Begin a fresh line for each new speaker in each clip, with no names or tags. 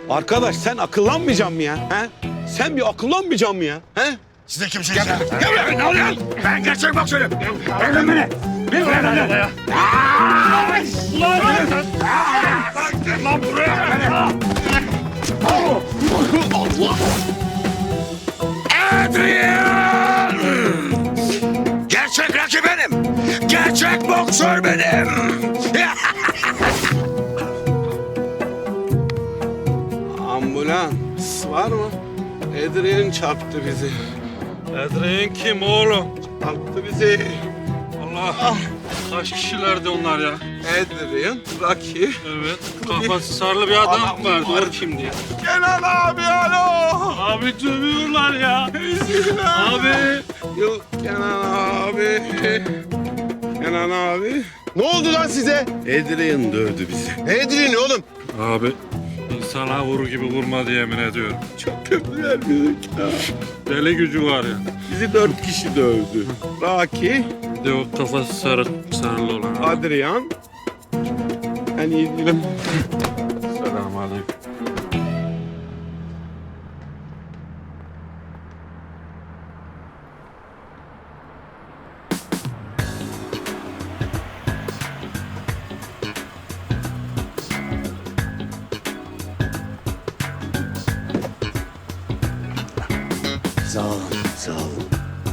Arkadaş sen akıllanmayacaksın mı ya? He? Sen bir akıllanmayacaksın mı ya? He?
Siz de kimsiniz ya?
Gel ne oluyor?
Ben gerçek boksörüm.
Bırakın beni. Bir bırakın ya.
Lan buraya. Allah. Adrian! Gerçek rakip benim. Gerçek boksör benim.
Ambulans var mı? Adrian çarptı bizi.
Adrian kim oğlum?
Çarptı bizi.
Allah. Kaç kişilerdi onlar ya?
Adrian, Rocky.
Evet. Kafası sarılı bir adam
Adam
vardı.
var.
O kimdi ya?
Kenan abi alo.
Abi dövüyorlar ya. Abi.
Yok Kenan abi. Kenan abi. Ne oldu lan size? Adrian dövdü bizi.
Adrian oğlum.
Abi. İnsana vurur gibi vurmadı yemin ediyorum.
Çok kötü vermedik ya.
Deli gücü var ya.
Bizi 4 kişi dövdü. Rocky,
Bir de o kafası sarılı olan.
Adrian. Ben iyi değilim.
Selamünaleyküm.
Sağ olun, sağ olun.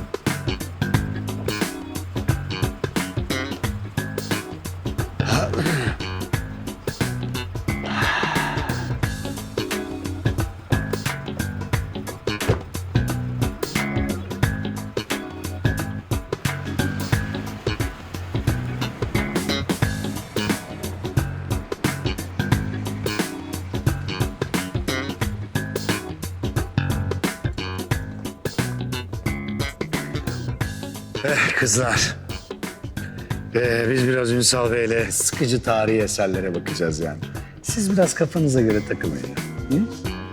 Kızlar. Biz biraz Ünsal Bey'le sıkıcı tarihi eserlere bakacağız yani. Siz biraz kafanıza göre takılın ya. Hı?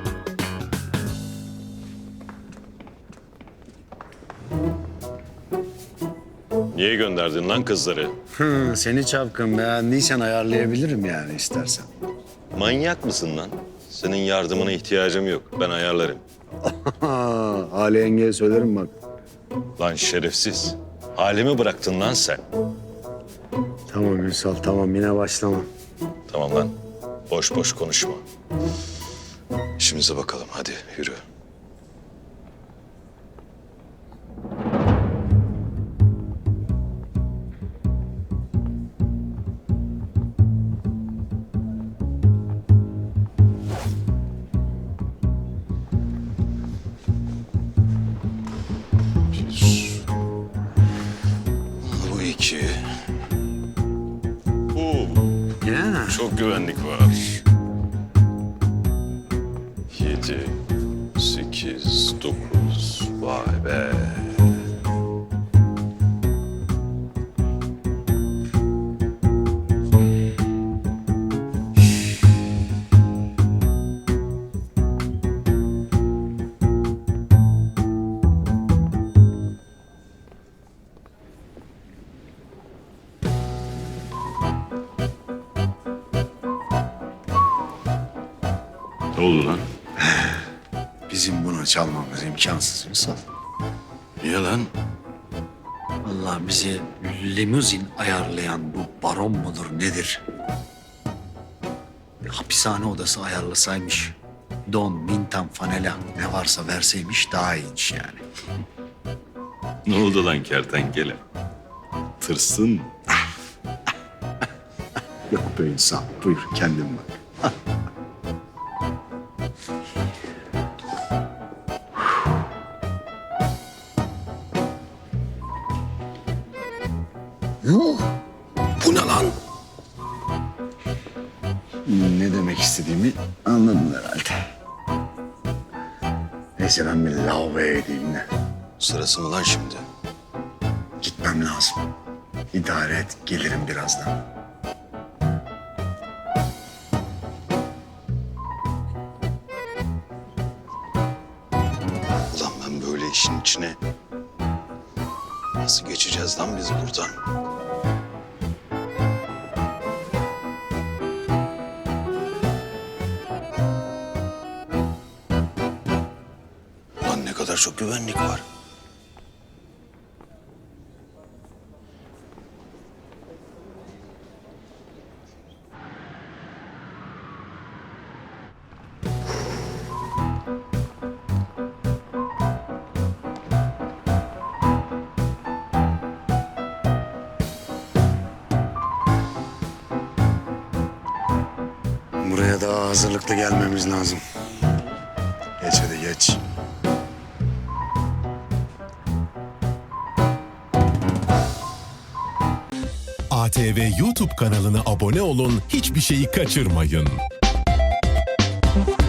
Niye gönderdin lan kızları?
Seni çapkın beğendiysen ayarlayabilirim yani istersen.
Manyak mısın lan? Senin yardımına ihtiyacım yok. Ben ayarlarım.
Ali yengeye söylerim bak.
Lan şerefsiz. Halimi bıraktın lan sen.
Tamam Ünsal tamam yine başlama.
Tamam lan. Boş boş konuşma. İşimize bakalım. Hadi yürü. Bu iki.
Ya.
Çok güvenlik var. 7, 8, 9. Vay be. Ne oldu lan?
Bizim bunu çalmamız imkansız Ünsal.
Niye lan?
Allah bizi limuzin ayarlayan bu baron mudur nedir? Hapishane odası ayarlasaymış. Don, mintan, fanela ne varsa verseymiş daha iyiymiş yani.
Ne oldu lan kertenkele? Tırsın.
Yok be insan. Buyur kendin bak.
Yuh. Bu ne lan?
Ne demek istediğimi anladın herhalde. Neyse ben bir lavaboya gideyim de.
Sırası mı lan şimdi?
Gitmem lazım. İdare et, gelirim birazdan.
Ulan ben böyle işin içine... Nasıl geçeceğiz lan biz buradan?
kadar çok güvenlik var.
Buraya daha hazırlıklı gelmemiz lazım. Geç hadi geç.
ATV YouTube kanalına abone olun, hiçbir şeyi kaçırmayın.